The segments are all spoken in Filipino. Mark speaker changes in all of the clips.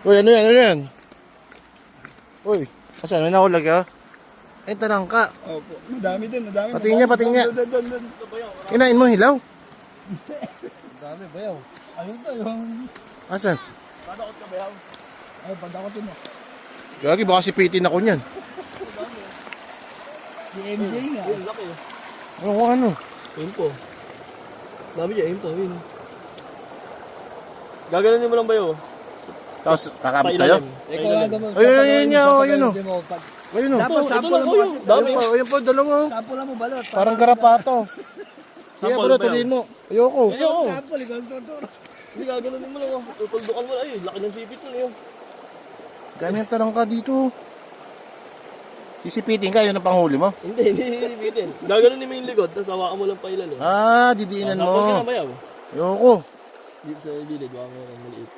Speaker 1: Uy, ano yan? Ano yan? Uy, asan? May nakulag ka? Ay, talangka.
Speaker 2: Opo. Madami din, madami.
Speaker 1: Patingin niya, patingin niya.
Speaker 2: Doon.
Speaker 1: Kinain mo hilaw?
Speaker 2: Madami, bayaw. Ayun to, yung...
Speaker 1: Asan?
Speaker 2: Padakot ka, bayaw. Ay, padakotin mo.
Speaker 1: Gagi, baka sipitin ako niyan.
Speaker 2: Si MJ nga.
Speaker 3: Yun, laki.
Speaker 1: Ano?
Speaker 3: Ayun po. Dami dyan, ayun po. Ayun. Gaganon mo lang ba yun?
Speaker 1: Tapos, kakabit sa'yo?
Speaker 2: Ikaw nga naman.
Speaker 1: Ayun niya, ayun o. Ayun o.
Speaker 2: Dapat
Speaker 3: Ito
Speaker 2: sample
Speaker 3: lang
Speaker 2: lang
Speaker 3: po
Speaker 2: mo.
Speaker 3: yun. Dami.
Speaker 1: Ayun po, dalawa o.
Speaker 2: Sample lang mo balot.
Speaker 1: Parang garapato. Sige,
Speaker 3: Sample
Speaker 1: bro,
Speaker 3: ba yun?
Speaker 1: tuloyin mo. Ayoko.
Speaker 3: Ayoko.
Speaker 2: Sample, ikaw ang tuturo.
Speaker 3: Hindi, gaganon mo lang. Tutuldukan mo lang. Ay, laki ng sipit mo yun.
Speaker 1: Dami ang tarangka dito. Sisipitin ka, yun ang panghuli mo.
Speaker 3: Hindi bitin. Gaganon mo yung likod, tapos hawakan mo lang pa ilalim.
Speaker 1: Ah, didiinan
Speaker 3: Tapos ka na
Speaker 1: mo.
Speaker 3: bayaw.
Speaker 1: Ayoko.
Speaker 3: Dito sa gilid, baka meron maliit.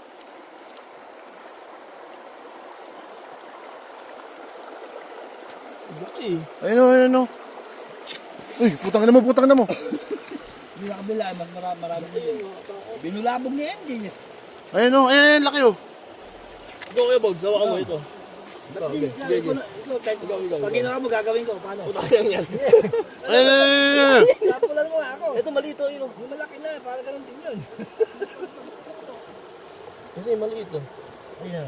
Speaker 3: Laki.
Speaker 1: Ayun o, ayun o. Uy, putang na mo, putang na mo.
Speaker 2: Hindi na kabila, mas marami din. Binulabog ni MJ niya.
Speaker 1: Ayun o, ayun, laki o.
Speaker 3: Ikaw kayo, Bog, sawa mo ito. Ikaw,
Speaker 2: Ikaw, pag ginawa mo, gagawin ko. Paano?
Speaker 3: Puta ka yan.
Speaker 1: Ayun.
Speaker 2: Sample mo ako.
Speaker 3: Ito, malito yun.
Speaker 2: Yung malaki na, para ganun din yun.
Speaker 3: Kasi maliit to.
Speaker 2: Ayun.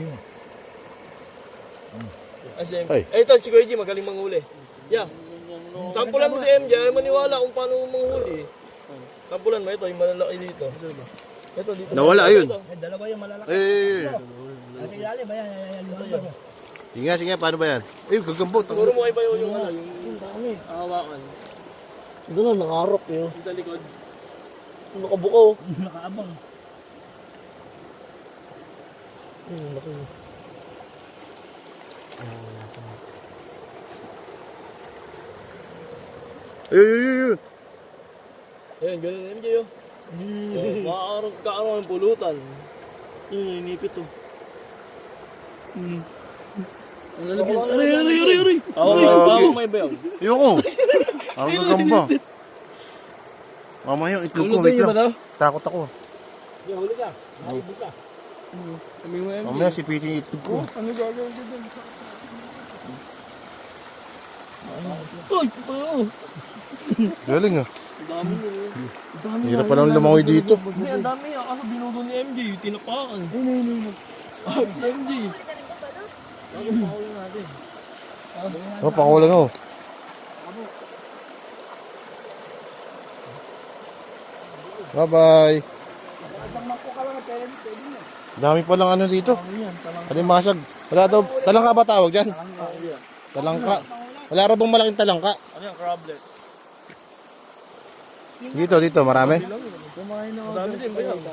Speaker 1: Ay.
Speaker 3: Ito, si Kuya G, magaling manghuli. Yeah. Sampulan mo si MJ, ay maniwala kung paano manghuli. Sampulan mo ito, yung malalaki dito. Ito, dito.
Speaker 1: Nawala yun.
Speaker 2: May dalawa yung malalaki.
Speaker 1: Ayun.
Speaker 2: Nasa ilalim, ayan. Lumabas.
Speaker 1: Sige, sige, paano ba yan? Ay, gagambo.
Speaker 3: Siguro mo kayo ba yung ano, yung hawakan.
Speaker 2: Ito na, nangarap yun.
Speaker 3: Yung sa likod. Nakabuko.
Speaker 2: Nakaabang.
Speaker 3: Ayun, laki.
Speaker 1: Ayun.
Speaker 3: Ayun, ganun na MJ yun. Makakaroon ng pulutan. Yun, inipit to.
Speaker 2: Aray.
Speaker 3: Bago may bayaw.
Speaker 1: Ayoko. Parang gagamba. Mamaya yung itlog ko, wait lang. Takot ako.
Speaker 2: Huli ka. Naibos ka.
Speaker 1: Mamaya sipitin yung itlog ko.
Speaker 2: Ano gagawin ko dun?
Speaker 3: Uy, paano?
Speaker 1: Galing ah.
Speaker 3: Ang dami nyo.
Speaker 1: Hirap pa lang lumangoy dito.
Speaker 3: Hindi, ang dami yan. Kaso binudo ni MJ, tinapakan. Si MJ.
Speaker 1: Oh, pakulan mo. Bye-bye. Dami pa lang ano dito. Alimasag. Wala daw. Talangka ba tawag dyan? Talangka. Wala raw bang malaking talangka?
Speaker 3: Ano yung crablet?
Speaker 1: Dito, marami.
Speaker 3: Ang dami din ba yan?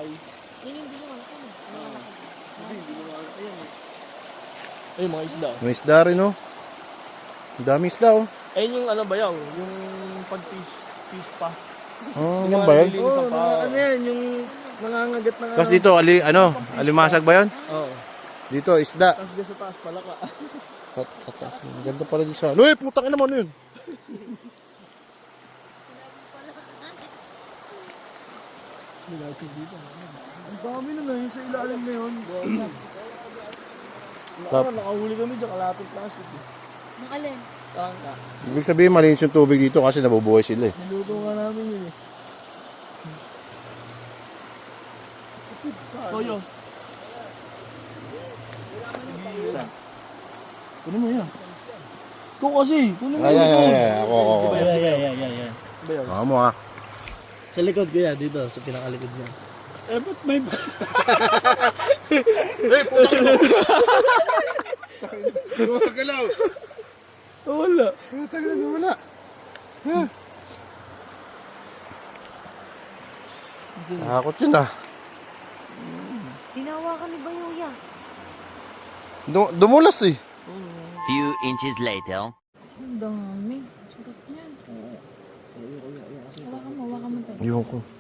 Speaker 3: Ay, mga isda.
Speaker 1: May isda rin oh. Ang dami isda oh.
Speaker 3: Ayun yung ano ba yaw? Yung pag-fish pa.
Speaker 1: Yan ba yun?
Speaker 3: Oo,
Speaker 2: Ano yan, yung nangangagat na
Speaker 1: Tapos dito, alimasag ba yun?
Speaker 3: Oo.
Speaker 1: Dito, isda.
Speaker 3: Tapos dyan sa taas, palaka.
Speaker 1: Ang ganda pala dito sa... Uy, putang ina mo, ano yun?
Speaker 2: Ang dami na lang, yung sa ilalim na yun.
Speaker 3: Nakahuli kami dyan, kalapit plastic.
Speaker 4: Nakalin.
Speaker 3: Tangka.
Speaker 1: Ibig sabihin, malinis yung tubig dito kasi nabubuhay sila eh.
Speaker 3: Niluto nga namin yun eh. Toyo.
Speaker 2: Kunin mo yan.
Speaker 3: Ikaw kasi. Kunin mo
Speaker 1: Ay. Ako.
Speaker 2: Yeah.
Speaker 1: Baka mo ah.
Speaker 3: Sa likod ko yan, dito, sa pinakalikod niya.
Speaker 2: Eh, ba't may...
Speaker 1: Hey, putang ina mo! Gumagalaw!
Speaker 3: Wala.
Speaker 1: Putang ina, wala. Takot yun ah.
Speaker 4: Hinawakan ni Bayuya.
Speaker 1: Dumulas eh.
Speaker 5: Few inches later.
Speaker 4: Ang dami. Sarap niyan. Hawakan mo tayo.
Speaker 1: Ayoko.